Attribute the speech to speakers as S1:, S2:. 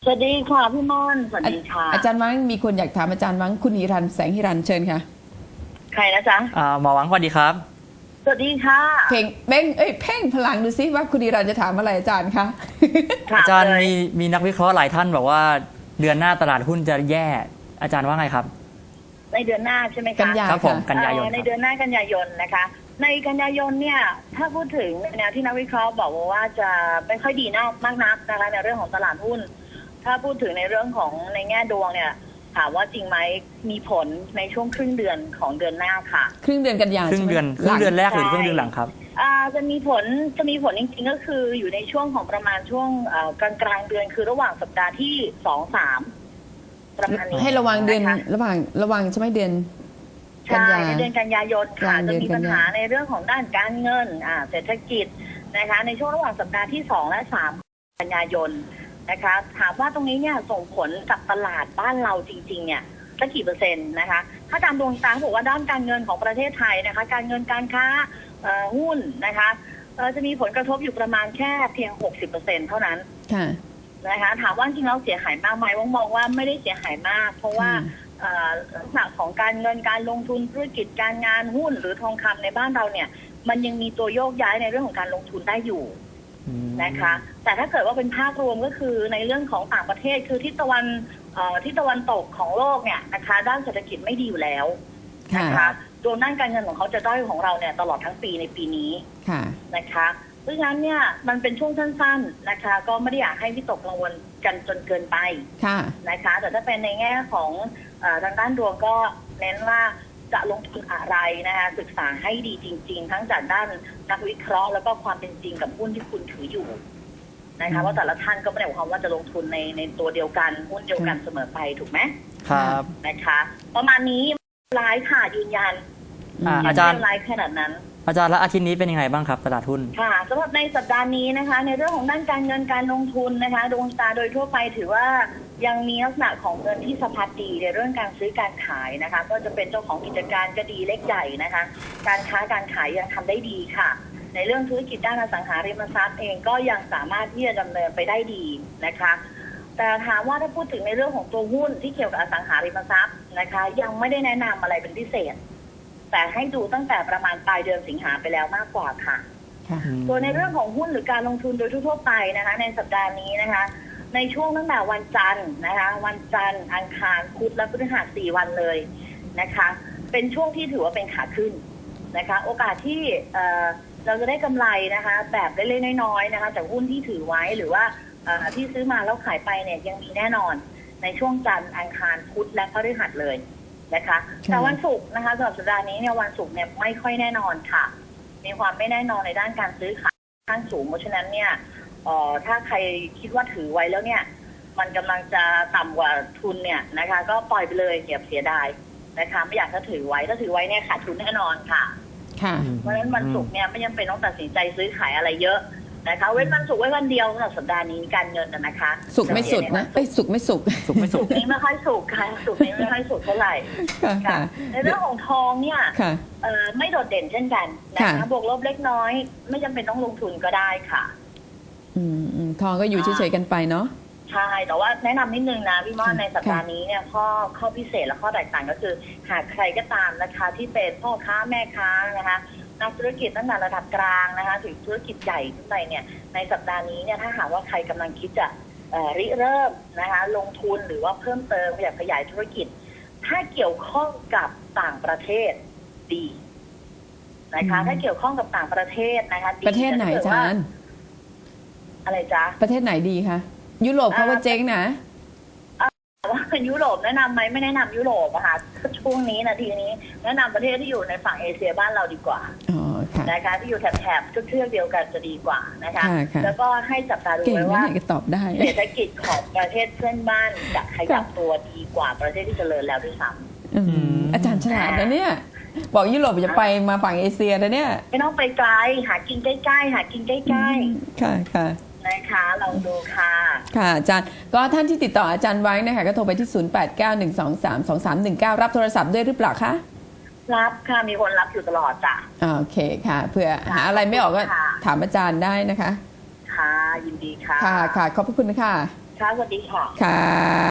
S1: สวัสดีค่ะพี่ม่อนสวัสดีค่ะ
S2: อาจารย์วังมีคนอยากถามอาจารย์วังคุณหิรันแสงหิรันเชิญค่ะ
S1: ใครนะจ๊ะ
S3: หมอหวังสวัสดีครับ
S1: สวัสดีค่ะ
S2: เพ่งเพ่งพลังดูซิว่าคุณหิรันจะถามอะไรอาจารย์คะ
S3: อาจารย์มีนักวิเคราะห์หลายท่านบอกว่าเดือนหน้าตลาดหุ้นจะแย่อาจารย์ว่าไงครับ
S1: ในเดือนหน้าใช่ไหมคะ
S2: กันยา
S3: ครับผมกันยายน
S1: ในเดือนหน้ากันยายนนะคะในกันยายนเนี่ยถ้าพูดถึงแนวที่นักวิเคราะห์บอกว่าจะไม่ค่อยดีมากนักนะคะในเรื่องของตลาดหุ้นถ้าพูดถึงในเรื่องของในแง่ดวงเนี่ยถามว่าจริงไหมมีผลในช่วงครึ่งเดือนของเดือนหน้าค่ะ
S2: ครึ่งเดือนกันยา
S3: ครึ่งเดือนแรกหรือครึ่งเดือนหลังครับ
S1: จะมีผลจริงๆก็คืออยู่ในช่วงของประมาณช่วงกลางเดือนคือระหว่างสัปดาห์ที่2-3ประมาณนี้
S2: ให้ระวังเดือนระวังใช่ไหมเดือน
S1: ใช่ในเดือนกันยายนค่ะจะมีปัญหาในเรื่องของด้านการเงินเศรษฐกิจนะคะในช่วงระหว่างสัปดาห์ที่2และ3กันยายนนะคะถามว่าตรงนี้เนี่ยส่งผลกับตลาดบ้านเราจริงๆเนี่ยสักกี่เปอร์เซ็นต์นะคะถ้าตามดวงตาบอกว่าด้านการเงินของประเทศไทยนะคะการเงินการค้าหุ้นนะคะจะมีผลกระทบอยู่ประมาณแค่เพียง 60% เท่านั้นนะคะถามว่าจริงแล้วเสียหายมากไหมมองว่าไม่ได้เสียหายมากเพราะว่าลักษณะของการเงินการลงทุนธุรกิจการงานหุ้นหรือทองคำในบ้านเราเนี่ยมันยังมีตัวโยกย้ายในเรื่องของการลงทุนได้อยู่นะคะแต่ถ้าเกิดว่าเป็นภาพรวมก็คือในเรื่องของต่างประเทศคือทิศตะวันตกของโลกเนี่ยนะคะด้านเศรษฐกิจไม่ดีอยู่แล้วนะคะตัวด้านการเงินของเขาจะด้อยของเราเนี่ยตลอดทั้งปีในปีนี้นะคะเพราะฉะนั้นเนี่ยมันเป็นช่วงสั้นๆนะคะก็ไม่ได้อยากให้วิตกกังวลกันจนเกินไปนะคะแต่ถ้าเป็นในแง่ของทางด้านดวงก็เน้นว่าจะลงทุนอะไรนะคะศึกษาให้ดีจริงๆทั้งจากด้านนักวิเคราะห์แล้วก็ความเป็นจริงกับหุ้นที่คุณถืออยู่นะคะว่าแต่ละท่านก็ไม่ได้หมายความว่าจะลงทุนในตัวเดียวกันหุ้นเดียวกันเสมอไปถูกไหม
S3: ครับ
S1: นะคะประมาณนี้ไลฟ์ค่ะยืนยัน
S3: อาจารย์
S1: ไลฟ์ขนาดนั้น
S3: อาจารย์แล้วอาทิตย์นี้เป็นยังไงบ้างครับตลาดหุ้น
S1: ค่ะสำหรับในสัปดาห์นี้นะคะในเรื่องของด้านการเงินการลงทุนนะคะดวงตาโดยทั่วไปถือว่ายังมีลักษณะของเงินที่สะพัดดีในเรื่องการซื้อการขายนะคะก็จะเป็นเจ้าของกิจการก็ดีเล็กใหญ่นะคะการค้าการขายยังทำได้ดีค่ะในเรื่องธุรกิจด้านอสังหาริมทรัพย์เองก็ยังสามารถที่จะดำเนินไปได้ดีนะคะแต่ถามว่าถ้าพูดถึงในเรื่องของตัวหุ้นที่เกี่ยวกับอสังหาริมทรัพย์นะคะยังไม่ได้แนะนำอะไรเป็นพิเศษแต่ให้ดูตั้งแต่ประมาณปลายเดือนสิงหาไปแล้วมากกว่าค่ะตัวในเรื่องของหุ้นหรือการลงทุนโดยทั่วไปนะคะในสัปดาห์นี้นะคะในช่วงตั้งแต่วันจันทร์นะคะวันจันทร์อังคารพุธและพฤหัส4 วันเลยนะคะเป็นช่วงที่ถือว่าเป็นขาขึ้นนะคะโอกาสที่เราจะได้กำไรนะคะแบบเล็กๆน้อยๆนะคะจากหุ้นที่ถือไว้หรือว่าที่ซื้อมาแล้วขายไปเนี่ยยังมีแน่นอนในช่วงจันทร์อังคารพุธและพฤหัสเลยนะคะแต่วันศุกร์นะคะสำหรับสัปดาห์นี้เนี่ยวันศุกร์เนี่ยไม่ค่อยแน่นอนค่ะมีความไม่แน่นอนในด้านการซื้อขายค่อนข้างสูงเพราะฉะนั้นเนี่ยถ้าใครคิดว่าถือไว้แล้วเนี่ยมันกำลังจะต่ำกว่าทุนเนี่ยนะคะก็ปล่อยไปเลยอย่าเสียดายนะคะไม่อยากถ้าถือไว้เนี่ยขาดทุนแน่นอนค่ะเพราะฉะนั้นวันศุกร์เนี่ยไม่จำเป็นต้องตัดสินใจซื้อขายอะไรเยอะนะคะเว้นวันศุกร์ไว้วันเดียวสำหรับสัปดาห์นี้การเงินนะคะ
S2: สุกไม่สุดนะสุกไม่สุก
S1: นี้ไม่ค่อยสุกค่ะสุกนี้ไม่ค่อยสุกเท่าไหร่ค่ะในเรื่องของทองเนี่ยไม่โดดเด่นเช่นกันนะคะบวกลบเล็กน้อยไม่จำเป็นต้องลงทุนก็ได้ค่ะ
S2: ทองก็อยู่เฉยๆกันไปเนาะ
S1: ใช่แต่ว่าแนะนำนิดนึงนะพี่ม่อนในสัปดาห์นี้เนี่ยข้อพิเศษและข้อแตกต่างก็คือหากใครก็ตามนะคะที่เป็นพ่อค้าแม่ค้านะคะนักธุรกิจตั้งแต่ระดับกลางนะคะถึงธุรกิจใหญ่ขึ้นไปเนี่ยในสัปดาห์นี้เนี่ยถ้าหากว่าใครกำลังคิดจะริเริ่มนะคะลงทุนหรือว่าเพิ่มเติมอยากขยายธุรกิจถ้าเกี่ยวข้องกับต่างประเทศดีนะคะถ้าเกี่ยวข้องกับต่างประเทศนะคะ
S2: ประเทศไหนอาจารย์
S1: อะไรจ๊ะ
S2: ประเทศไหนดีคะยุโรปเขาว่าเจ๊งนะ
S1: ว่ายุโรปแนะนำไหมไม่แนะนำยุโรปอะค่ะช่วงนี้นาทีนี้แนะนำประเทศที่อยู่ในฝั่งเอเชียบ้านเราดีกว่านะคะที่อยู่แถบเทือกเดียวกันจะดีกว่านะคะแล้วก็ให้จับตาดูไว้ว่าเศรษฐกิจของประเทศเพื่อนบ้านจะขยับตัวดีกว่าประเทศที่เจริญแล้วด้วยซ้
S2: ำอาจารย์ฉลาดนะเนี่ยบอกยุโรปจะไปมาฝั่งเอเชียนะเนี่ย
S1: ไม่ต้องไปไกลหากินใกล้ๆหากินใกล้
S2: ๆค่ะ
S1: นะคะลองดูค่ะ
S2: ค่ะอาจารย์ก็ท่านที่ติดต่ออาจารย์ไว้นะคะก็โทรไปที่0891232319รับโทรศัพท์ด้วยหรือเปล่าคะ
S1: รับค่ะมีคนรับอยู่ตลอดจ้ะ
S2: โอเคค่ะเผื่อหาอะไรไม่ออกก็ถามอาจารย์ได้นะคะ
S1: ค่ะยินดีค่ะ
S2: ค่ะขอบพระคุณค่ะ
S1: ค่ะสวัสดีค่ะ
S2: ค่ะ